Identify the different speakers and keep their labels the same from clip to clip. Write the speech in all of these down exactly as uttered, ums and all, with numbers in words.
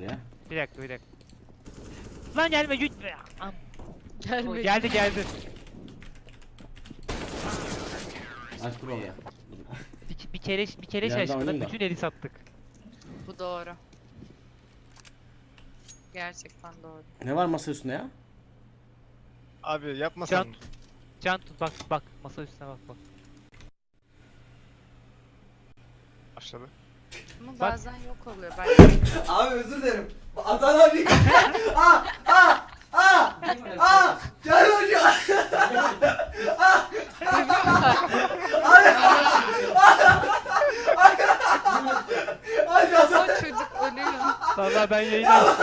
Speaker 1: Ya.
Speaker 2: Bir dakika bir dakika. Lan gelme güç. Am.
Speaker 3: Gelme.
Speaker 2: Geldi geldi.
Speaker 1: Aç dur ya.
Speaker 2: Bir, bir kere bir kere
Speaker 1: Yerden
Speaker 2: şaşkına
Speaker 1: oynayayım da.
Speaker 2: bütün eli sattık.
Speaker 3: Bu doğru. Gerçekten doğru.
Speaker 1: Ne var masa üstünde ya?
Speaker 4: Abi yapmasan.
Speaker 2: Can, can tut bak bak masa üstüne bak bak.
Speaker 4: Başladı.
Speaker 3: Ama
Speaker 2: Bak.
Speaker 3: bazen yok oluyor. Ben
Speaker 5: Abi özür dilerim. Adana abi. Aa aa aa aa. Gel hocam. Hadi Adana.
Speaker 3: o çocuk ölüyor.
Speaker 2: Vallahi ben yayına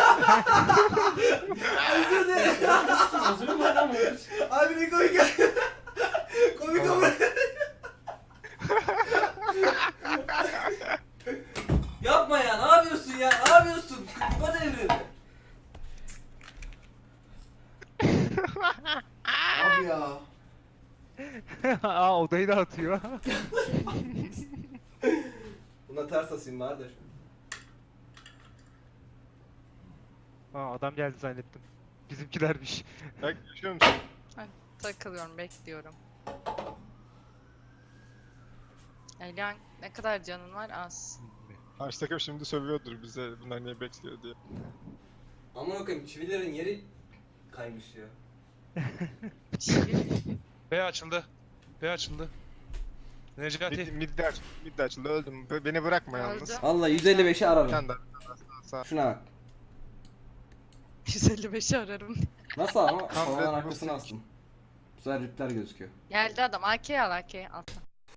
Speaker 5: Özür dilerim.
Speaker 1: Özür mü adam
Speaker 5: Abi ne komik. Komik ama. Yapma ya. Ne yapıyorsun ya? Ne yapıyorsun? Kupa devrildi. Abi ya.
Speaker 2: Aa odayı da atıyor.
Speaker 5: Buna ters asayım bari de.
Speaker 2: Aa adam geldi zannettim. Bizimkilermiş.
Speaker 4: Bak yaşıyor musun?
Speaker 3: Takılıyorum, bekliyorum. Elian ne kadar canın var? Az.
Speaker 4: Karşı takım şimdi sövüyordur bize bunlar niye bekliyor diye.
Speaker 5: Aman okuyayım çivilerin yeri kaymış ya.
Speaker 6: B açıldı. B açıldı.
Speaker 4: Mid,
Speaker 6: Necati.
Speaker 4: mid de açıldı, mid de açıldı öldüm. Be- Beni bırakma yalnız.
Speaker 3: Öldü.
Speaker 1: Vallahi yüz elli beşi
Speaker 4: Bir
Speaker 1: ararım.
Speaker 4: tane daha. Sağ.
Speaker 1: Şuna bak.
Speaker 3: yüz elli beşi ararım.
Speaker 1: Nasıl ama?
Speaker 4: Tam
Speaker 1: Havadan
Speaker 4: red
Speaker 1: arkasına
Speaker 4: buff.
Speaker 1: astım. Bu sefer ripler gözüküyor.
Speaker 3: Geldi adam. A K'yi al, A K'yi al.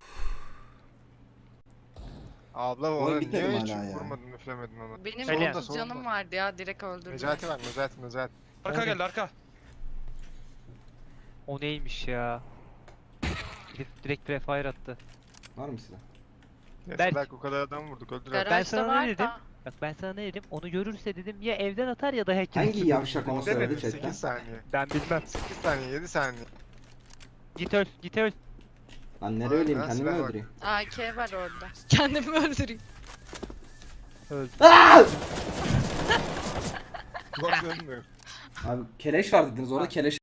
Speaker 4: Abla
Speaker 1: Oy,
Speaker 4: ona
Speaker 1: bitmedi
Speaker 4: niye
Speaker 1: mi
Speaker 4: hiç
Speaker 1: hala ya?
Speaker 4: vurmadın üflemedin ona.
Speaker 3: Benim
Speaker 2: Elian.
Speaker 3: otuz canım vardı ya. Direkt öldürdüm.
Speaker 4: Necati var Necati Necati.
Speaker 6: Arka geldi arka.
Speaker 2: O neymiş ya? Direkt, direkt prefire attı.
Speaker 1: Var mı silah?
Speaker 4: Neyse
Speaker 2: Berk.
Speaker 4: Berk o kadar adam vurduk öldürer.
Speaker 2: Ben
Speaker 3: Garajda
Speaker 2: sana ne
Speaker 3: var
Speaker 2: dedim?
Speaker 3: da.
Speaker 2: Bak ben sana ne dedim? Onu görürse dedim ya evden atar ya da hacker.
Speaker 1: Hangi yavşak onu söyledi
Speaker 4: Demedim
Speaker 1: chatten?
Speaker 4: sekiz saniye.
Speaker 2: Ben bilmem.
Speaker 4: sekiz saniye yedi saniye.
Speaker 2: Git öl, git öl.
Speaker 1: Lan nereye öleyim
Speaker 4: Ben
Speaker 1: kendimi
Speaker 4: silah bak.
Speaker 1: öldüreyim.
Speaker 3: A K var orada. Kendimi öldüreyim.
Speaker 2: Öldü.
Speaker 1: Aaaa!
Speaker 4: Bak dönmüyor.
Speaker 1: Abi keleş var dediniz orada keleş